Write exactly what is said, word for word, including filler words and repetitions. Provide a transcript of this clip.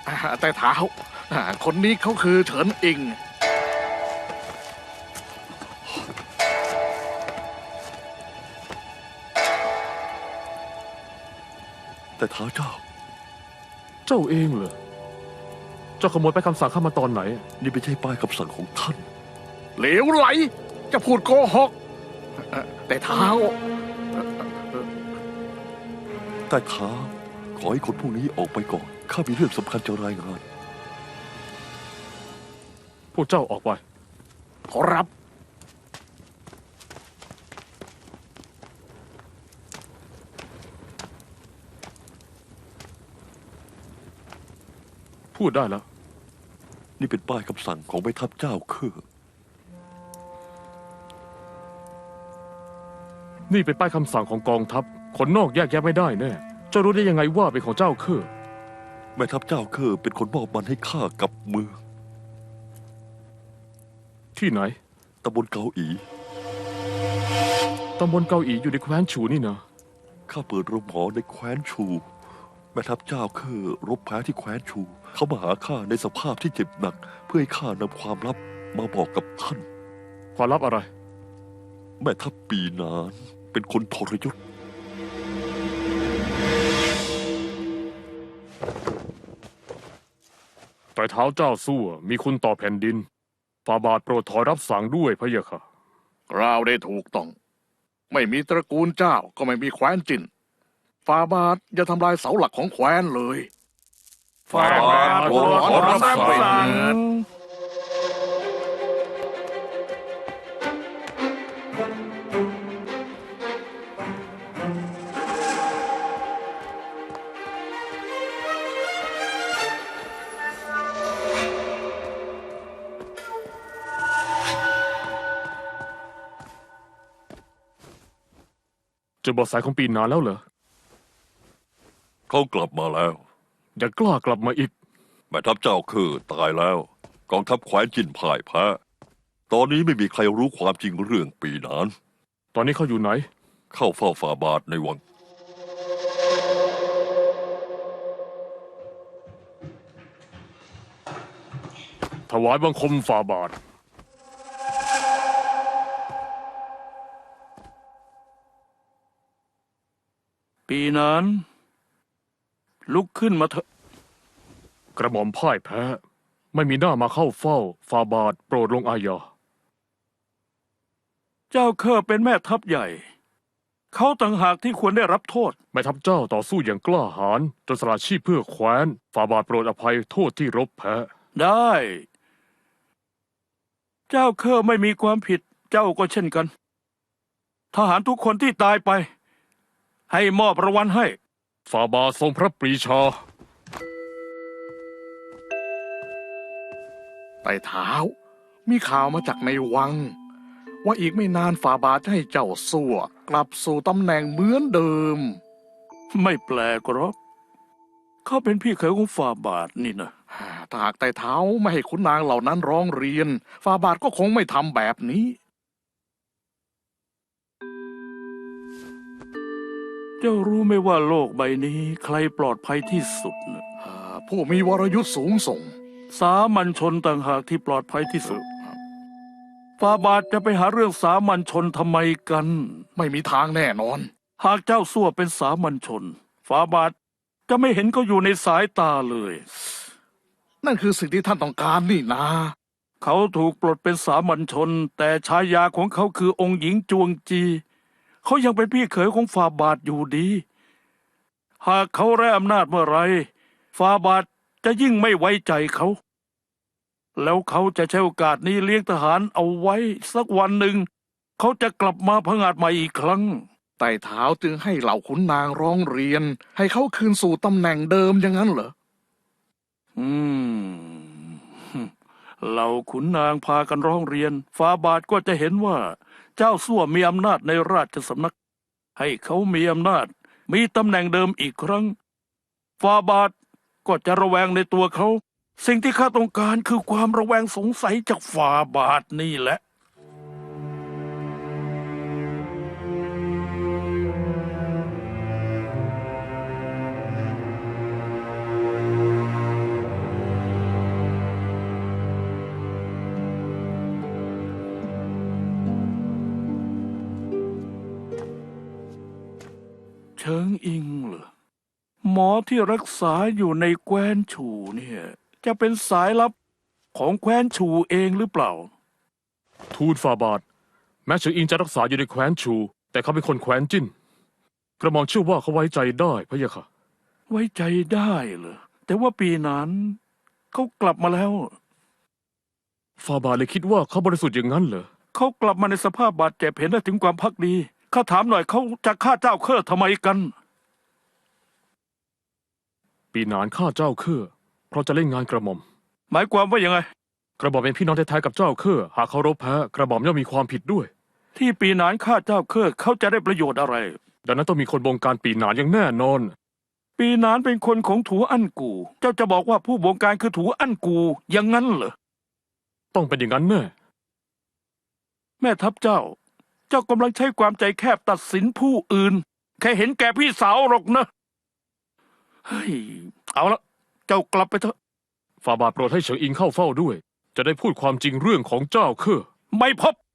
แต่เท้าคนนี้เขาคือเฉินอิงแต่เท้าเจ้าเจ้าเองเหรอเจ้าขโมยไปคำสั่งข้ามาตอนไหนนี่ไม่ใช่ป้ายคำสั่งของท่านเหลวไหลจะพูดโกหกแต่เท้าแต่เท้าขอให้คนพวกนี้ออกไปก่อนข้ามีเรื่องสำคัญจะรายงานพวกเจ้าออกไปขอรับพูดได้แล้วนี่เป็นป้ายคำสั่งของแม่ทัพเจ้าเคอนี่เป็นป้ายคำสั่งของกองทัพคนนอกแยกแยะไม่ได้แน่เจ้ารู้ได้ยังไงว่าเป็นของเจ้าเคอแม่ทัพเจ้าเคอเป็นคนมอบมันให้ข้ากับมือที่ไหนตำบลเกาอีตำบลเกาอีอยู่ในแคว้นฉูนี่นะข้าเปิดโรงหมอในแคว้นชู แม่ทัพเจ้าเคอรบแพ้ที่แคว้นชู เขามาหาข้าในสภาพที่เจ็บหนัก เพื่อให้ข้านำความลับมาบอกกับท่านความลับอะไรแม่ทัพปีนานเป็นคนทรยศแต่เท้าเจ้าสู้มีคุณต่อแผ่นดินฝ่าบาทโปรดถอยรับสั่งด้วยพะยะค่ะกล่าวได้ถูกต้อง ไม่มีตระกูลเจ้าก็ไม่มีแคว้นจินฟาบาทอย่าทำลายเสาหลักของแคว้นเลยฟาบาทโปรดถอนรับสั่งเจอเบาะแสของปีนานแล้วเหรอเขากลับมาแล้วอย่ากล้ากลับมาอีกแม่ทัพเจ้าคือตายแล้ว กองทัพแคว้นจินพ่ายแพ้ตอนนี้ไม่มีใครรู้ความจริงเรื่องปีนานตอนนี้เขาอยู่ไหนเข้าเฝ้าฝ่าบาทในวังถวายบังคมฝ่าบาทปีนั้น ลุกขึ้นมาเถอะกระหม่อมพ่ายแพ้ ไม่มีหน้ามาเข้าเฝ้าฝ่าบาทโปรดลงอาญาเจ้าเคอเป็นแม่ทัพใหญ่ เขาต่างหากที่ควรได้รับโทษแม่ทัพเจ้าต่อสู้อย่างกล้าหาญจนสละชีพเพื่อแคว้นฝ่าบาทโปรดอภัยโทษที่รบแพ้ได้ เจ้าเคอไม่มีความผิด เจ้าก็เช่นกัน ทหารทุกคนที่ตายไป ให้มอบรางวัลให้ฝ่าบาททรงพระปรีชาไต่เท้า มีข่าวมาจากในวัง ว่าอีกไม่นานฝ่าบาทจะให้เจ้าสั่วกลับสู่ตำแหน่งเหมือนเดิมไม่แปลกหรอกเขาเป็นพี่เขยของฝ่าบาทนี่นะถ้าหากไต่เท้าไม่ให้ขุนนางเหล่านั้นร้องเรียนฝ่าบาทก็คงไม่ทำแบบนี้เจ้ารู้ไหมว่าโลกใบนี้ใครปลอดภัยที่สุดนะผู้มีวรยุทธ์สูงส่งสามัญชนต่างหากที่ปลอดภัยที่สุดฝ่าบาทจะไปหาเรื่องสามัญชนทำไมกันไม่มีทางแน่นอนหากเจ้าสั่วเป็นสามัญชนฝ่าบาทจะไม่เห็นเขาอยู่ในสายตาเลยนั่นคือสิ่งที่ท่านต้องการนี่นะเขาถูกปลดเป็นสามัญชน แต่ฉายาของเขาคือองค์หญิงจวงจี เขายังเป็นพี่เขยของฝ่าบาทอยู่ดี หากเขาไร้อำนาจเมื่อไรฝ่าบาทจะยิ่งไม่ไว้ใจเขา แล้วเขาจะใช้โอกาสนี้เลี้ยงทหารเอาไว้สักวันหนึ่ง เขาจะกลับมาผงาดใหม่อีกครั้งไต่เท้าจึงให้เหล่าขุนนางร้องเรียน ให้เขาคืนสู่ตำแหน่งเดิมอย่างนั้นเหรออืมเหล่าขุนนางพากันร้องเรียนฝ่าบาทก็จะเห็นว่า เจ้าสั่วมีอำนาจในราชสำนัก ให้เขามีอำนาจ มีตำแหน่งเดิมอีกครั้งฝ่าบาทก็จะระแวงในตัวเขา สิ่งที่ข้าต้องการคือความระแวงสงสัยจากฝ่าบาทนี่แหละฉิงอิงเหรอหมอที่รักษาอยู่ในแคว้นชูเนี่ย จะเป็นสายลับของแคว้นชูเองหรือเปล่าทูลฟาบาทแม้เฉิงอิงจะรักษาอยู่ในแคว้นชู แต่เขาเป็นคนแคว้นจิ้น กระหม่อมเชื่อว่าเขาไว้ใจได้พะยะค่ะไว้ใจได้เหรอแต่ว่าปีนั้นเขากลับมาแล้วฟาบาทเลยคิดว่าเขาบริสุทธิ์อย่างนั้นเหรอเขากลับมาในสภาพบาดเจ็บเห็นได้ถึงความพักดีข้าถามหน่อยเขาจะฆ่าเจ้าเครือทำไมกันปีหนานฆ่าเจ้าเครือเพราะจะเล่นงานกระหม่อมหมายความว่ายังไงกระหม่อมเป็นพี่น้องแท้ๆกับเจ้าเครือหากเขารบแพ้กระหม่อมย่อมมีความผิดด้วยที่ปีนานฆ่าเจ้าเครือเขาจะได้ประโยชน์อะไรดังนั้นต้องมีคนบงการปีหนานอย่างแน่นอนปีนานเป็นคนของถูอั้นกู เจ้าจะบอกว่าผู้บงการคือถูอั้นกูอย่างนั้นเหรอต้องเป็นอย่างนั้นแน่แม่ทัพเจ้า เจ้ากำลังใช้ความใจแคบตัดสินผู้อื่น แค่เห็นแก่พี่สาวหรอกนะ เฮ้ย เอาละ เจ้ากลับไปเถอะฟาบาทโปรดให้เฉิงอิงเข้าเฝ้าด้วย จะได้พูดความจริงเรื่องของเจ้าเครือไม่พบ